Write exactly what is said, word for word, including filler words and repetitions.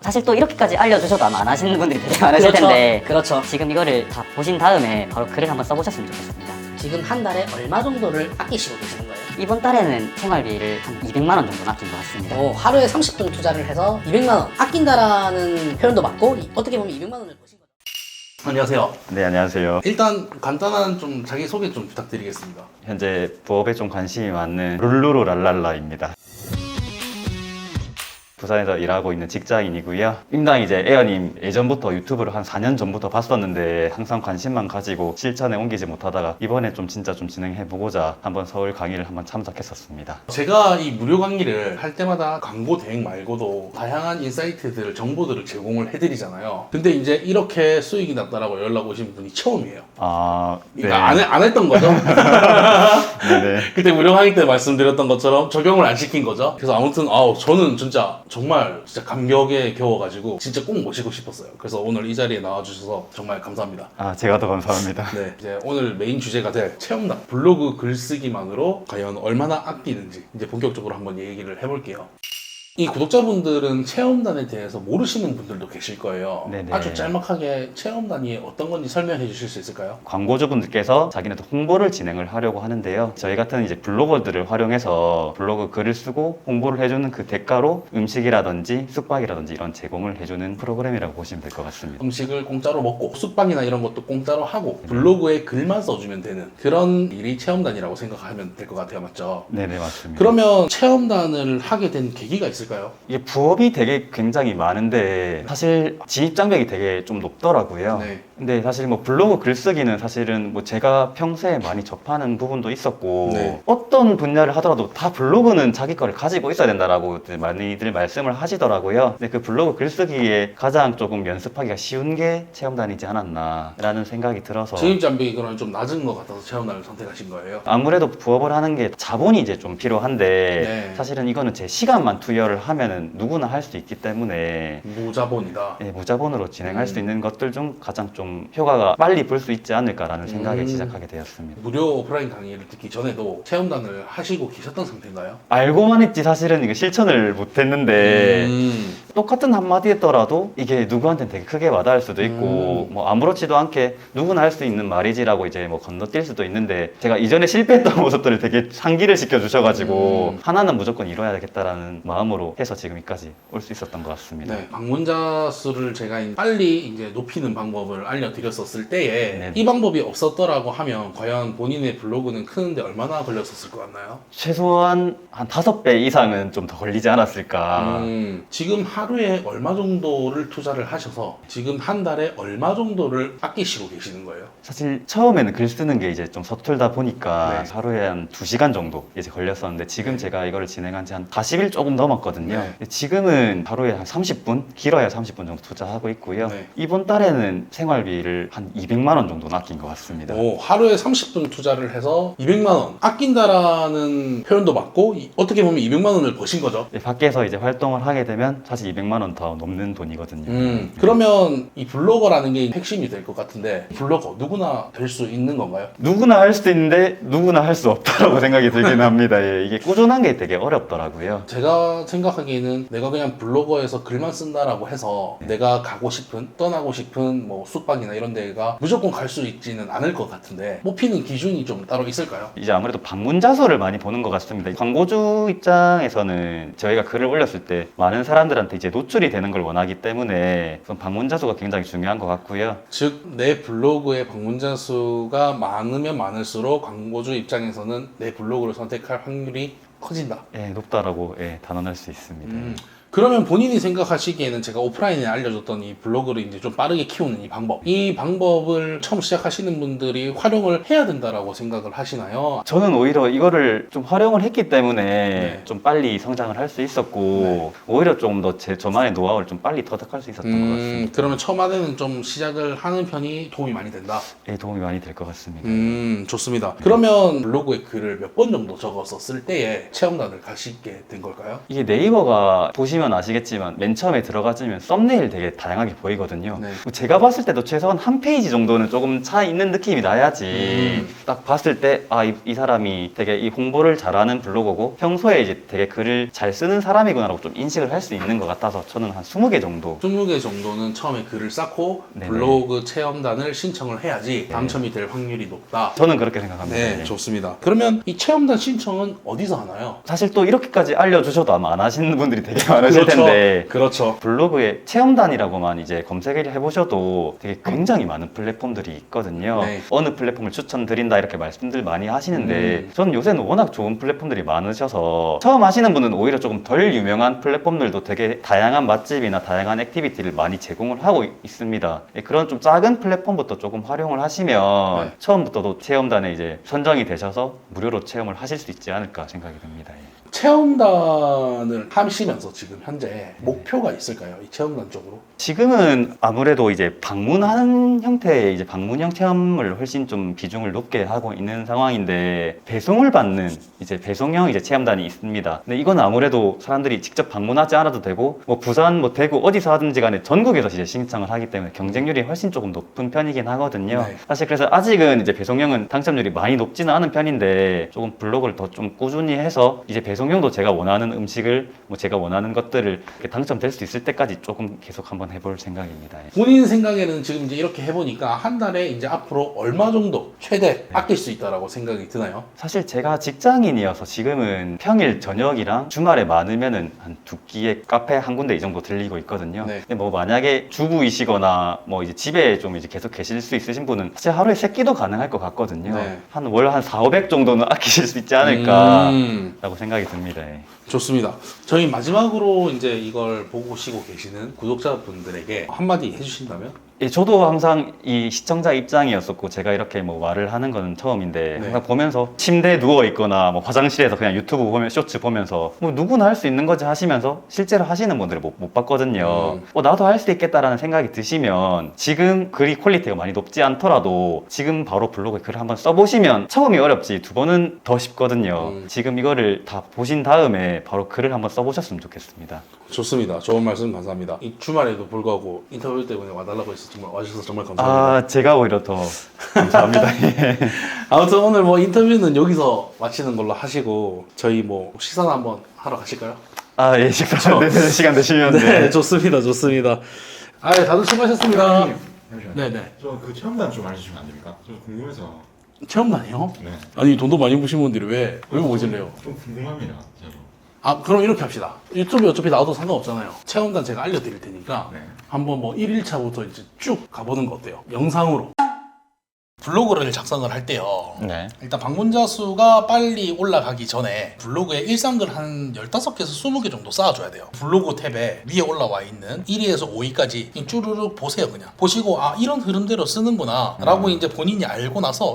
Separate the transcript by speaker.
Speaker 1: 사실 또 이렇게까지 알려주셔도 아마 안 하시는 분들이 되게 많으실
Speaker 2: 그렇죠.
Speaker 1: 텐데
Speaker 2: 그렇죠.
Speaker 1: 지금 이거를 다 보신 다음에 바로 글을 한번 써보셨으면 좋겠습니다.
Speaker 2: 지금 한 달에 얼마 정도를 아끼시고 계시는 거예요?
Speaker 1: 이번 달에는 생활비를 한 이백만 원 정도 아낀 것 같습니다.
Speaker 2: 어, 하루에 삼십 분 투자를 해서 이백만 원 아낀다라는 표현도 맞고 이- 어떻게 보면 이백만 원을 버신 거죠.
Speaker 3: 안녕하세요.
Speaker 4: 네, 안녕하세요.
Speaker 3: 일단 간단한 좀 자기소개 좀 부탁드리겠습니다.
Speaker 4: 현재 부업에 좀 관심이 많은 룰루루 랄랄라입니다. 부산에서 일하고 있는 직장인이고요. 임당 이제 에어님 예전부터 유튜브를 한 사 년 전부터 봤었는데 항상 관심만 가지고 실천에 옮기지 못하다가 이번에 좀 진짜 좀 진행해보고자 한번 서울 강의를 한번 참석했었습니다.
Speaker 3: 제가 이 무료 강의를 할 때마다 광고 대행 말고도 다양한 인사이트들, 정보들을 제공을 해드리잖아요. 근데 이제 이렇게 수익이 났다라고 연락 오신 분이 처음이에요.
Speaker 4: 아, 네.
Speaker 3: 그러니까 안, 해- 안 했던 거죠?
Speaker 4: 네네.
Speaker 3: 그때 무료 강의 때 말씀드렸던 것처럼 적용을 안 시킨 거죠. 그래서 아무튼 아우 저는 진짜 정말 진짜 감격에 겨워가지고 진짜 꼭 모시고 싶었어요. 그래서 오늘 이 자리에 나와주셔서 정말 감사합니다.
Speaker 4: 아, 제가 더 감사합니다.
Speaker 3: 네, 이제 오늘 메인 주제가 될 체험단 블로그 글쓰기만으로 과연 얼마나 아끼는지 이제 본격적으로 한번 얘기를 해볼게요. 이 구독자분들은 체험단에 대해서 모르시는 분들도 계실 거예요.
Speaker 4: 네네.
Speaker 3: 아주 짤막하게 체험단이 어떤 건지 설명해 주실 수 있을까요?
Speaker 4: 광고주분들께서 자기네도 홍보를 진행을 하려고 하는데요. 저희 같은 이제 블로거들을 활용해서 블로그 글을 쓰고 홍보를 해주는 그 대가로 음식이라든지 숙박이라든지 이런 제공을 해주는 프로그램이라고 보시면 될 것 같습니다.
Speaker 3: 음식을 공짜로 먹고 숙박이나 이런 것도 공짜로 하고 블로그에 글만 써주면 되는 그런 일이 체험단이라고 생각하면 될 것 같아요. 맞죠?
Speaker 4: 네네, 맞습니다.
Speaker 3: 그러면 체험단을 하게 된 계기가 있을까요?
Speaker 4: 이게 부업이 되게 굉장히 많은데 사실 진입 장벽이 되게 좀 높더라고요.
Speaker 3: 네.
Speaker 4: 근데 사실 뭐 블로그 글쓰기는 사실은 뭐 제가 평소에 많이 접하는 부분도 있었고
Speaker 3: 네.
Speaker 4: 어떤 분야를 하더라도 다 블로그는 자기 거를 가지고 있어야 된다라고 많이들 말씀을 하시더라고요. 근데 그 블로그 글쓰기에 가장 조금 연습하기가 쉬운 게 체험단이지 않았나라는 생각이 들어서
Speaker 3: 진입장벽이 그런 좀 낮은 것 같아서 체험단을 선택하신 거예요.
Speaker 4: 아무래도 부업을 하는 게 자본이 이제 좀 필요한데
Speaker 3: 네.
Speaker 4: 사실은 이거는 제 시간만 투여를 하면은 누구나 할 수 있기 때문에
Speaker 3: 무자본이다.
Speaker 4: 예, 무자본으로 진행할
Speaker 3: 음.
Speaker 4: 수 있는 것들 중 가장 좀 효과가 빨리 볼 수 있지 않을까라는 생각에
Speaker 3: 음.
Speaker 4: 시작하게 되었습니다.
Speaker 3: 무료 오프라인 강의를 듣기 전에도 체험단을 하시고 계셨던 상태인가요?
Speaker 4: 알고만 했지 사실은 이거 실천을 못했는데
Speaker 3: 음.
Speaker 4: 똑같은 한마디 했더라도 이게 누구한테는 되게 크게 와닿을 수도 있고
Speaker 3: 음.
Speaker 4: 뭐 아무렇지도 않게 누구나 할 수 있는 말이지라고 이제 뭐 건너뛸 수도 있는데 제가 이전에 실패했던 모습들을 되게 상기를 시켜주셔가지고
Speaker 3: 음.
Speaker 4: 하나는 무조건 이뤄야 되겠다라는 마음으로 해서 지금 여기까지 올 수 있었던 것 같습니다.
Speaker 3: 네, 방문자 수를 제가 빨리 이제 높이는 방법을 알려드렸었을 때에
Speaker 4: 네.
Speaker 3: 이 방법이 없었더라고 하면 과연 본인의 블로그는 크는데 얼마나 걸렸었을 것 같나요?
Speaker 4: 최소한 한 다섯 배 이상은 좀 더 걸리지 않았을까.
Speaker 3: 음, 지금 하루에 얼마 정도를 투자를 하셔서 지금 한 달에 얼마 정도를 아끼시고 계시는 거예요?
Speaker 4: 사실 처음에는 글 쓰는 게 이제 좀 서툴다 보니까
Speaker 3: 네.
Speaker 4: 하루에 한 두 시간 정도 이제 걸렸었는데 지금
Speaker 3: 네.
Speaker 4: 제가 이거를 진행한 지 한 사십 일 조금 넘었거든요.
Speaker 3: 네.
Speaker 4: 근데 지금은 하루에 한 삼십 분, 길어야 삼십 분 정도 투자하고 있고요.
Speaker 3: 네.
Speaker 4: 이번 달에는 생활비를 한 이백만 원 정도 아낀 것 같습니다.
Speaker 3: 오, 하루에 삼십 분 투자를 해서 이백만 원 아낀다라는 표현도 맞고 이- 어떻게 보면 이백만 원을 버신 거죠.
Speaker 4: 네, 밖에서 이제 활동을 하게 되면 사실 이백만 원 더 넘는 돈이거든요.
Speaker 3: 음, 그러면 이 블로거라는 게 핵심이 될 것 같은데 블로거 누구나 될 수 있는 건가요?
Speaker 4: 누구나 할 수 있는데 누구나 할 수 없다라고 생각이 들긴 합니다. 예, 이게 꾸준한 게 되게 어렵더라고요.
Speaker 3: 제가 생각하기에는 내가 그냥 블로거에서 글만 쓴다라고 해서 내가 가고 싶은 떠나고 싶은 뭐 숙박이나 이런 데가 무조건 갈 수 있지는 않을 것 같은데 뽑히는 기준이 좀 따로 있을까요?
Speaker 4: 이제 아무래도 방문자 수를 많이 보는 것 같습니다. 광고주 입장에서는 저희가 글을 올렸을 때 많은 사람들한테 이제 노출이 되는 걸 원하기 때문에 우선 방문자 수가 굉장히 중요한 것 같고요.
Speaker 3: 즉 내 블로그의 방문자 수가 많으면 많을수록 광고주 입장에서는 내 블로그를 선택할 확률이 커진다.
Speaker 4: 예, 높다라고 예, 단언할 수 있습니다.
Speaker 3: 음, 그러면 본인이 생각하시기에는 제가 오프라인에 알려줬던 이 블로그를 이제 좀 빠르게 키우는 이 방법, 이 방법을 처음 시작하시는 분들이 활용을 해야 된다라고 생각을 하시나요?
Speaker 4: 저는 오히려 이거를 좀 활용을 했기 때문에
Speaker 3: 네.
Speaker 4: 좀 빨리 성장을 할 수 있었고
Speaker 3: 네.
Speaker 4: 오히려 좀 더 제 저만의 노하우를 좀 빨리 터득할 수 있었던 것
Speaker 3: 음,
Speaker 4: 같습니다.
Speaker 3: 그러면 처음에는 좀 시작을 하는 편이 도움이 많이 된다.
Speaker 4: 예, 도움이 많이 될 것 같습니다.
Speaker 3: 음, 좋습니다. 그러면 블로그에 글을 몇 번 정도 적었었을 때에 체험단을 가시게 된 걸까요?
Speaker 4: 이게 네이버가 보시면 보시면 아시겠지만 맨 처음에 들어가시면 썸네일 되게 다양하게 보이거든요.
Speaker 3: 네.
Speaker 4: 제가 봤을 때도 최소한 한 페이지 정도는 조금 차 있는 느낌이 나야지
Speaker 3: 음.
Speaker 4: 딱 봤을 때 아 이 이 사람이 되게 이 홍보를 잘하는 블로거고 평소에 이제 되게 글을 잘 쓰는 사람이구나라고 좀 인식을 할 수 있는 것 같아서 저는 한 스무 개 정도.
Speaker 3: 스무 개 정도는 처음에 글을 쌓고
Speaker 4: 네네.
Speaker 3: 블로그 체험단을 신청을 해야지 당첨이 될 확률이 높다.
Speaker 4: 저는 그렇게 생각합니다.
Speaker 3: 네,
Speaker 4: 네.
Speaker 3: 좋습니다. 그러면 이 체험단 신청은 어디서 하나요?
Speaker 4: 사실 또 이렇게까지 알려주셔도 아마 안 하시는 분들이 되게 많으실 텐데
Speaker 3: 그렇죠.
Speaker 4: 블로그에 체험단이라고만 이제 검색을 해보셔도 되게 굉장히 많은 플랫폼들이 있거든요.
Speaker 3: 네.
Speaker 4: 어느 플랫폼을 추천드린다 이렇게 말씀들 많이 하시는데
Speaker 3: 음.
Speaker 4: 저는 요새는 워낙 좋은 플랫폼들이 많으셔서 처음 하시는 분은 오히려 조금 덜 유명한 플랫폼들도 되게 다양한 맛집이나 다양한 액티비티를 많이 제공을 하고 있- 있습니다. 예, 그런 좀 작은 플랫폼부터 조금 활용을 하시면
Speaker 3: 네.
Speaker 4: 처음부터도 체험단에 이제 선정이 되셔서 무료로 체험을 하실 수 있지 않을까 생각이 듭니다. 예.
Speaker 3: 체험단을 하시면서 지금 현재 목표가 있을까요? 이 체험단 쪽으로?
Speaker 4: 지금은 아무래도 이제 방문하는 형태의 이제 방문형 체험을 훨씬 좀 비중을 높게 하고 있는 상황인데 배송을 받는 이제 배송형 이제 체험단이 있습니다. 근데 이건 아무래도 사람들이 직접 방문하지 않아도 되고 뭐 부산 뭐 대구 어디서 하든지 간에 전국에서 이제 신청을 하기 때문에 경쟁률이 훨씬 조금 높은 편이긴 하거든요.
Speaker 3: 네.
Speaker 4: 사실 그래서 아직은 이제 배송형은 당첨률이 많이 높지는 않은 편인데 조금 블로그를 더 좀 꾸준히 해서 이제 배송형도 제가 원하는 음식을 뭐 제가 원하는 것들을 이렇게 당첨될 수 있을 때까지 조금 계속 한번 해볼 생각입니다. 예.
Speaker 3: 본인 생각에는 지금 이제 이렇게 해보니까 한 달에 이제 앞으로 얼마 정도 최대 아낄 수 있다라고 생각이 드나요?
Speaker 4: 사실 제가 직장인이어서 지금은 평일 저녁이랑 주말에 많으면은 한 두 끼의 카페 한 군데 이 정도 들리고 있거든요.
Speaker 3: 네.
Speaker 4: 근데 뭐 만약에 주부이시거나 뭐 이제 집에 좀 이제 계속 계실 수 있으신 분은 사실 하루에 세 끼도 가능할 것 같거든요.
Speaker 3: 네.
Speaker 4: 한 월 한 사오백 정도는 아끼실 수 있지 않을까라고
Speaker 3: 음,
Speaker 4: 생각이 듭니다. 예.
Speaker 3: 좋습니다. 저희 마지막으로 이제 이걸 보시고 계시는 구독자분들에게 한마디 해주신다면?
Speaker 4: 예, 저도 항상 이 시청자 입장이었었고 제가 이렇게 뭐 말을 하는 건 처음인데
Speaker 3: 네.
Speaker 4: 항상 보면서 침대에 누워 있거나 뭐 화장실에서 그냥 유튜브 보면 쇼츠 보면서 뭐 누구나 할 수 있는 거지 하시면서 실제로 하시는 분들을 못, 못 봤거든요.
Speaker 3: 음.
Speaker 4: 어, 나도 할 수 있겠다라는 생각이 드시면 지금 글이 퀄리티가 많이 높지 않더라도 지금 바로 블로그에 글을 한번 써보시면 처음이 어렵지 두 번은 더 쉽거든요.
Speaker 3: 음.
Speaker 4: 지금 이거를 다 보신 다음에 바로 글을 한번 써보셨으면 좋겠습니다.
Speaker 3: 좋습니다. 좋은 말씀 감사합니다. 이 주말에도 불구하고 인터뷰 때문에 와달라고 해서 정말 와주셔서 정말 감사합니다.
Speaker 4: 아, 제가 오히려 더 감사합니다. 예.
Speaker 3: 아무튼 오늘 뭐 인터뷰는 여기서 마치는 걸로 하시고 저희 뭐 식사나 한번 하러 가실까요?
Speaker 4: 아, 예, 식사 되는 시간 되시면
Speaker 3: 네,
Speaker 4: 네.
Speaker 3: 좋습니다. 좋습니다. 아, 예, 다들 수고하셨습니다.
Speaker 5: 잠시만요.
Speaker 3: 네네.
Speaker 5: 저 그 체험단 좀 알려주시면 안 됩니까? 좀 궁금해서.
Speaker 3: 체험단이요?
Speaker 5: 네.
Speaker 3: 아니 돈도 많이 버신 분들이 왜, 왜 오실래요?
Speaker 5: 좀 궁금합니다. 저도.
Speaker 3: 아, 그럼 이렇게 합시다. 유튜브에 어차피 나와도 상관없잖아요. 체험단 제가 알려드릴 테니까
Speaker 5: 네.
Speaker 3: 한번 뭐 일 일차부터 이제 쭉 가보는 거 어때요? 영상으로. 블로그를 작성을 할 때요.
Speaker 4: 네.
Speaker 3: 일단 방문자 수가 빨리 올라가기 전에 블로그에 일상글 한 열다섯 개에서 스무 개 정도 쌓아줘야 돼요. 블로그 탭에 위에 올라와 있는 일 위에서 오 위까지 쭈르륵 보세요. 그냥 보시고 아 이런 흐름대로 쓰는구나 라고 이제 본인이 알고 나서